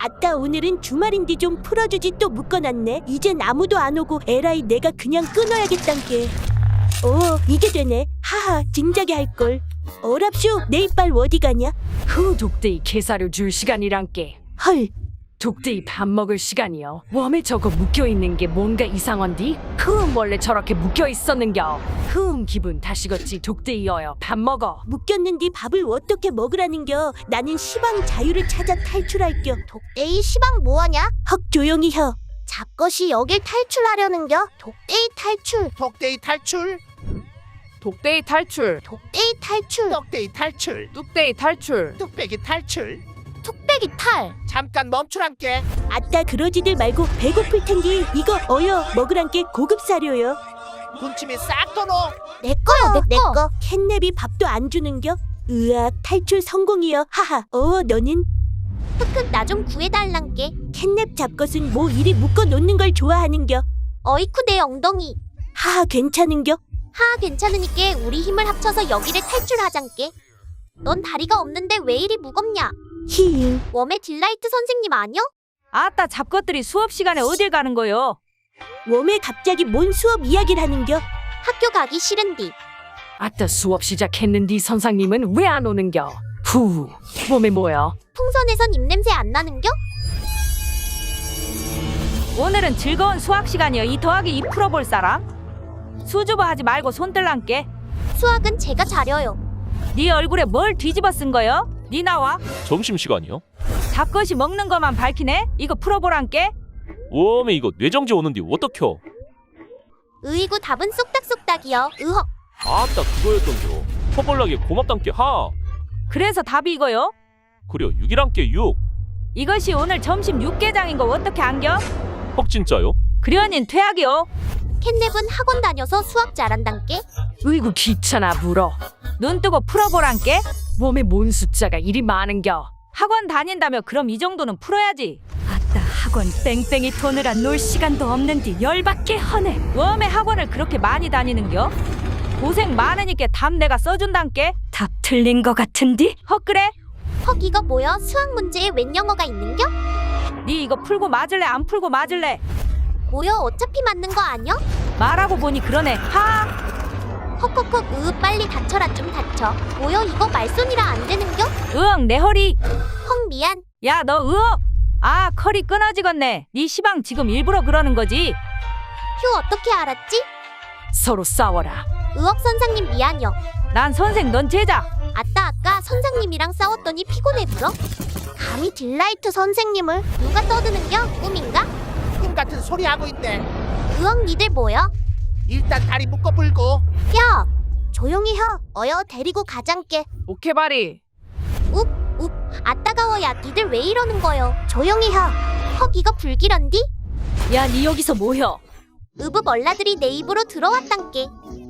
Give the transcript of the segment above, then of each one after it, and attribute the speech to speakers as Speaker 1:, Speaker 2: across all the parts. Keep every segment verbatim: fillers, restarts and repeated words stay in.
Speaker 1: 아따 오늘은 주말인데 좀 풀어주지. 또 묶어놨네. 이젠 아무도 안 오고 에라이 내가 그냥 끊어야겠단게. 어 이게 되네. 하하 진작에 할걸. 어랍쇼 내 이빨 어디 가냐?
Speaker 2: 후 독대이 개사료 줄 시간이란께.
Speaker 1: 헐
Speaker 2: 독대이 밥 먹을 시간이요. 웜에 저거 묶여있는 게 뭔가 이상한디? 흠 원래 저렇게 묶여있었는겨. 흠 기분 다시겠지. 독대이여요. 밥 먹어.
Speaker 1: 묶였는디 밥을 어떻게 먹으라는겨. 나는 시방 자유를 찾아 탈출할겨.
Speaker 3: 독대이 시방 뭐하냐?
Speaker 1: 헉 조용히 혀.
Speaker 3: 잡것이 여길 탈출하려는겨? 독대이 탈출,
Speaker 4: 독대이 탈출,
Speaker 5: 독대이 탈출,
Speaker 3: 독대이 탈출,
Speaker 4: 떡대이 탈출,
Speaker 5: 뚝대이 탈출.
Speaker 4: 뚝배기 탈출.
Speaker 3: 툭배기 탈.
Speaker 4: 잠깐 멈추란께.
Speaker 1: 아따 그러지들 말고 배고플 텐디 이거 어여 먹으란게. 고급 사료요.
Speaker 4: 군침이 싹 도노.
Speaker 3: 내 거요, 내 거.
Speaker 1: 캣냅이 밥도 안 주는겨. 으악 탈출 성공이여. 하하. 어 너는
Speaker 3: 흑흑 나 좀 구해달란게.
Speaker 1: 캣냅 잡것은 뭐 이리 묶어 놓는 걸 좋아하는겨.
Speaker 3: 어이쿠 내 엉덩이.
Speaker 1: 하하 괜찮은겨.
Speaker 3: 하 괜찮으니께 우리 힘을 합쳐서 여기를 탈출하잔께. 넌 다리가 없는데 왜 이리 무겁냐?
Speaker 1: 히잉.
Speaker 3: 웜의 딜라이트 선생님 아니여?
Speaker 5: 아따 잡것들이 수업 시간에 어딜 가는 거요?
Speaker 1: 웜에 갑자기 뭔 수업 이야기를 하는겨.
Speaker 3: 학교 가기 싫은디.
Speaker 2: 아따 수업 시작했는디 선생님은 왜 안 오는겨? 후 몸에 뭐야?
Speaker 3: 풍선에선 입냄새 안 나는겨?
Speaker 5: 오늘은 즐거운 수학 시간이요. 이 더하기 이 풀어볼 사람? 수줍어 하지 말고 손 들란께.
Speaker 3: 수학은 제가 잘해요.
Speaker 5: 네 얼굴에 뭘 뒤집어 쓴 거요? 네 나와.
Speaker 6: 점심시간이요?
Speaker 5: 잡것이 먹는 것만 밝히네. 이거 풀어보란께.
Speaker 6: 웜에 이거 뇌정지 오는데 어떡혀?
Speaker 3: 으이구 답은 쏙닥쏙닥이여. 으헉.
Speaker 6: 아따 그거였던겨. 퍼벌나게 고맙단께 하.
Speaker 5: 그래서 답이 이거요.
Speaker 6: 그려 육이란께 육.
Speaker 5: 이것이 오늘 점심 육개장인 거 어떻게 안겨?
Speaker 6: 헉 진짜요?
Speaker 5: 그려닌 퇴학이요.
Speaker 3: 캣냅은 학원 다녀서 수학 잘한단께.
Speaker 2: 으이구 귀찮아 물어.
Speaker 5: 눈 뜨고 풀어보란께.
Speaker 2: 몸에 뭔 숫자가 이리 많은겨?
Speaker 5: 학원 다닌다며 그럼 이 정도는 풀어야지.
Speaker 2: 아따 학원 뺑뺑이 도느라 놀 시간도 없는디 열받게 허네.
Speaker 5: 웜에 학원을 그렇게 많이 다니는겨? 고생 많으니까 답 내가 써준단께.
Speaker 2: 답 틀린 거 같은디?
Speaker 5: 헉 그래?
Speaker 3: 헉 이거 뭐여? 수학 문제에 웬 영어가 있는겨?
Speaker 5: 네 이거 풀고 맞을래 안 풀고 맞을래?
Speaker 3: 뭐여 어차피 맞는 거 아니여?
Speaker 5: 말하고 보니 그러네. 하.
Speaker 3: 헉헉헉 으 빨리 다쳐라 좀 다쳐. 뭐여 이거 말손이라 안 되는겨?
Speaker 5: 으엉 내 허리.
Speaker 3: 헉 미안.
Speaker 5: 야 너 으어. 아 컬이 끊어지겠네. 네 시방 지금 일부러 그러는 거지.
Speaker 3: 휴 어떻게 알았지?
Speaker 2: 서로 싸워라.
Speaker 3: 으억 선생님 미안여.
Speaker 5: 난 선생 넌 제자.
Speaker 3: 아따 아까 선생님이랑 싸웠더니 피곤해 불어? 감히 딜라이트 선생님을 누가 떠드는겨? 꿈인가?
Speaker 4: 꿈 같은 소리 하고 있네.
Speaker 3: 으억 니들 뭐여?
Speaker 4: 일단 다리 묶어 불고.
Speaker 3: 야 조용히 혀. 어여 데리고 가잔께.
Speaker 5: 오케바리.
Speaker 3: 욱 아따가워. 야 니들 왜 이러는 거여? 조용히 혀. 헉 이거 불길한디?
Speaker 2: 야 니 여기서 뭐여?
Speaker 3: 으브 얼라들이 내 입으로 들어왔단께.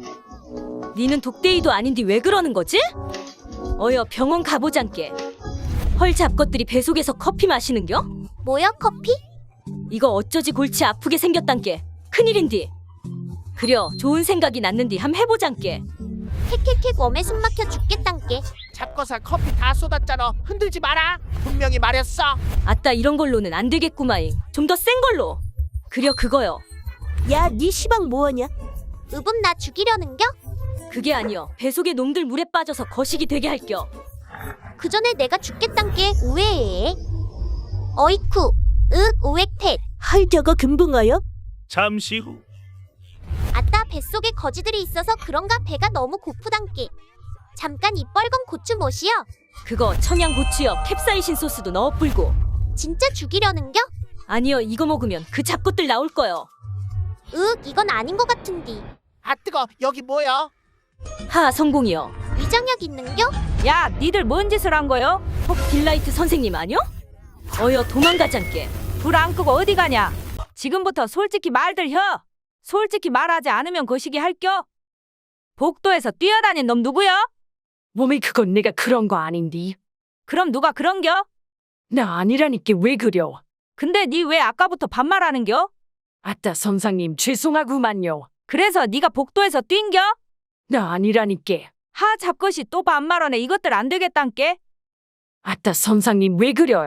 Speaker 2: 니는 독대이도 아닌디 왜 그러는 거지? 어여 병원 가보잔께. 헐 잡것들이 배 속에서 커피 마시는겨?
Speaker 3: 뭐여 커피?
Speaker 2: 이거 어쩌지 골치 아프게 생겼단께. 큰일인디. 그려 좋은 생각이 났는디 함 해보잔께.
Speaker 3: 캐캐캐 웜에 숨 막혀 죽겠단께.
Speaker 4: 잡고서 커피 다 쏟았잖아. 흔들지 마라. 분명히 말했어.
Speaker 2: 아따 이런 걸로는 안 되겠구마잉. 좀 더 센 걸로. 그려 그거요.
Speaker 1: 야 니 시방 뭐하냐?
Speaker 3: 으분 나 죽이려는겨?
Speaker 2: 그게 아니여. 배 속에 놈들 물에 빠져서 거식이 되게 할겨.
Speaker 3: 그 전에 내가 죽겠단께. 우에에 어이쿠 윽 우액텟.
Speaker 1: 헐 저거 금붕어요?
Speaker 7: 잠시 후
Speaker 3: 아따 뱃속에 거지들이 있어서 그런가 배가 너무 고프단께. 잠깐 이 뻘건 고추 못이여.
Speaker 2: 그거 청양고추여. 캡사이신 소스도 넣어 불고.
Speaker 3: 진짜 죽이려는겨?
Speaker 2: 아니여 이거 먹으면 그 잡것들 나올 거요.
Speaker 3: 윽 이건 아닌 것 같은디.
Speaker 4: 아 뜨거. 여기 뭐야?
Speaker 2: 하 성공이여.
Speaker 3: 위장약 있는겨?
Speaker 5: 야 니들 뭔 짓을 한 거요?
Speaker 2: 혹 딜라이트 선생님 아니여? 어여 도망가잔께.
Speaker 5: 불 안 끄고 어디 가냐? 지금부터 솔직히 말들 혀. 솔직히 말하지 않으면 거시기 할겨. 복도에서 뛰어다닌 놈 누구야?
Speaker 2: 몸에 그건 내가 그런 거 아닌디.
Speaker 5: 그럼 누가 그런겨?
Speaker 2: 나 아니라니까 왜 그려.
Speaker 5: 근데 니 왜 아까부터 반말하는겨?
Speaker 2: 아따 선생님 죄송하구만요.
Speaker 5: 그래서 네가 복도에서 뛴겨?
Speaker 2: 나 아니라니까.
Speaker 5: 하 잡것이 또 반말하네. 이것들 안 되겠단께.
Speaker 2: 아따 선생님 왜 그려요.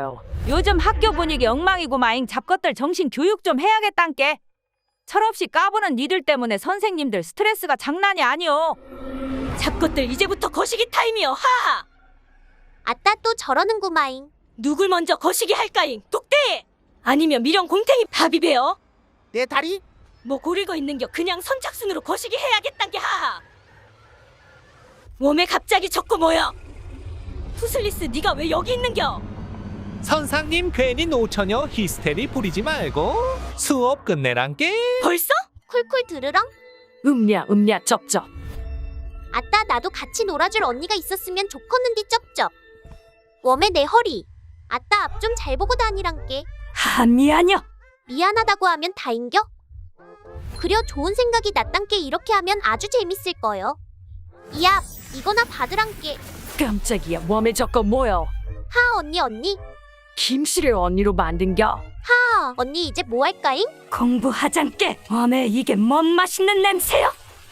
Speaker 5: 요즘 학교 분위기 엉망이고 마잉 잡것들 정신 교육 좀 해야겠단께. 철없이 까부는 니들 때문에 선생님들 스트레스가 장난이 아니오.
Speaker 1: 잡것들 이제부터 거시기 타임이여. 하하.
Speaker 3: 아따 또 저러는구마잉.
Speaker 1: 누굴 먼저 거시기 할까잉? 독대! 아니면 미령 공탱이 바비베어?
Speaker 4: 내 다리?
Speaker 1: 뭐 고리고 있는겨. 그냥 선착순으로 거시기 해야겠단게. 하하. 웜에 갑자기 적고 뭐여? 푸슬리스 네가 왜 여기 있는겨?
Speaker 7: 선상님 괜히 노처녀 히스테리 부리지 말고 수업 끝내란께.
Speaker 1: 벌써?
Speaker 3: 쿨쿨 들으렁.
Speaker 2: 음냐 음냐 쩝쩝.
Speaker 3: 아따 나도 같이 놀아줄 언니가 있었으면 좋겠는디 쩝쩝. 웜에 내 허리. 아따 앞 좀 잘 보고 다니란께.
Speaker 2: 하 미안여.
Speaker 3: 미안하다고 하면 다인겨? 그려 좋은 생각이 났단께. 이렇게 하면 아주 재밌을 거요. 이앞 이거나 받으란께.
Speaker 2: 깜짝이야. 웜에 저거 뭐여?
Speaker 3: 하 언니 언니.
Speaker 2: 김씨를 언니로 만든겨.
Speaker 3: 하 언니 이제 뭐 할까잉?
Speaker 2: 공부하잔께. 웜에 이게 뭔 맛있는 냄새여?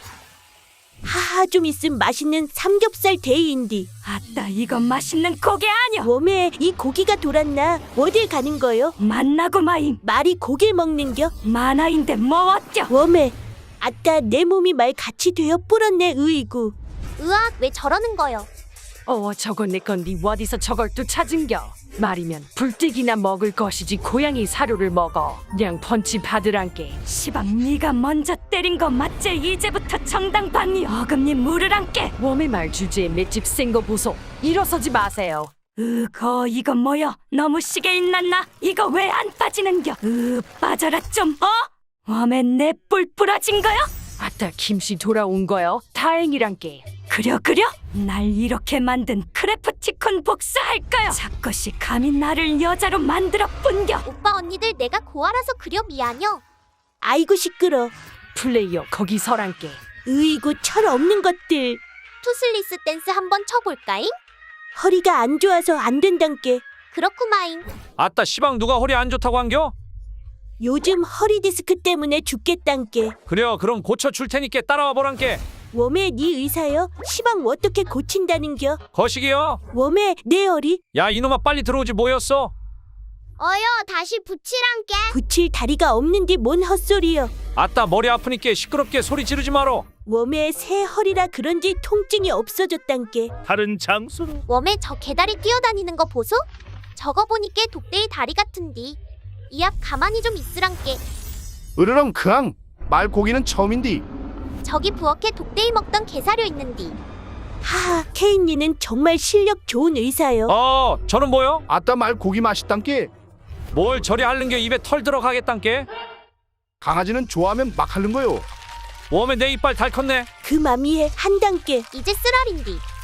Speaker 1: 하하 좀 있음 맛있는 삼겹살 데이인디.
Speaker 2: 아따 이건 맛있는 고개 아니여.
Speaker 1: 웜에 이 고기가 돌았나? 어딜 가는 거요?
Speaker 2: 만나고 마임.
Speaker 1: 말이 고기를 먹는겨?
Speaker 2: 만화인데 뭐 어쩌?
Speaker 1: 웜에 아따 내 몸이 말 같이 되어 뿌렸네. 으이구.
Speaker 3: 으악 왜 저러는 거요?
Speaker 2: 어 저건 내 건디 어디서 저걸 또 찾은겨? 말이면 불떼기나 먹을 것이지 고양이 사료를 먹어. 냥 펀치 받으란께. 시방 네가 먼저 때린 거 맞지? 이제부터 정당방위 어금니 물으란께. 웜의 말 주제에 맷집 센 거 보소. 일어서지 마세요. 으거 이거 뭐여? 너무 시계 있났나? 이거 왜 안 빠지는겨? 으 빠져라 좀 어? 웜에 내 뿔 부러진 거요? 아따 김씨 돌아온 거요? 다행이란께. 그려 그려? 날 이렇게 만든 크래프티콘 복수할 거요. 자꾸시 감히 나를 여자로 만들어 뿐겨.
Speaker 3: 오빠 언니들 내가 고아라서 그려 미안혀.
Speaker 1: 아이고 시끄러.
Speaker 2: 플레이어 거기 서란께.
Speaker 1: 으이구 철 없는 것들.
Speaker 3: 투슬리스 댄스 한번 쳐볼까잉?
Speaker 1: 허리가 안 좋아서 안 된단께.
Speaker 3: 그렇구마잉.
Speaker 6: 아따 시방 누가 허리 안 좋다고 한겨?
Speaker 1: 요즘 허리 디스크 때문에 죽겠단께.
Speaker 6: 그래요 그럼 고쳐줄 테니까 따라와 보란께.
Speaker 1: 웜에 네 의사여? 시방 어떻게 고친다는겨?
Speaker 6: 거시기요.
Speaker 1: 웜에 내 허리?
Speaker 6: 야 이놈아 빨리 들어오지 뭐였어?
Speaker 3: 어여 다시 붙이란께.
Speaker 1: 붙일 다리가 없는디 뭔 헛소리여.
Speaker 6: 아따 머리 아프니까 시끄럽게 소리 지르지 마라.
Speaker 1: 웜에 새 허리라 그런지 통증이 없어졌단께.
Speaker 7: 다른 장소로.
Speaker 3: 웜에 저 개다리 뛰어다니는 거 보소? 저거 보니까 독대의 다리 같은디. 이 앞 가만히 좀 있으란께.
Speaker 8: 으르렁 크앙 말고기는 처음인디.
Speaker 3: 저기 부엌에 독대이 먹던 개사료 있는디.
Speaker 1: 하하 케인리는 정말 실력 좋은 의사여.
Speaker 6: 어 저는 뭐요?
Speaker 8: 아따 말고기 맛있단께.
Speaker 6: 뭘 저리 핥는겨. 입에 털 들어가겠단께.
Speaker 8: 강아지는 좋아하면 막 하는 거요.
Speaker 6: 웜에 내 이빨 달 컸네.
Speaker 1: 그 맘이에 한단께.
Speaker 3: 이제 쓰라린디.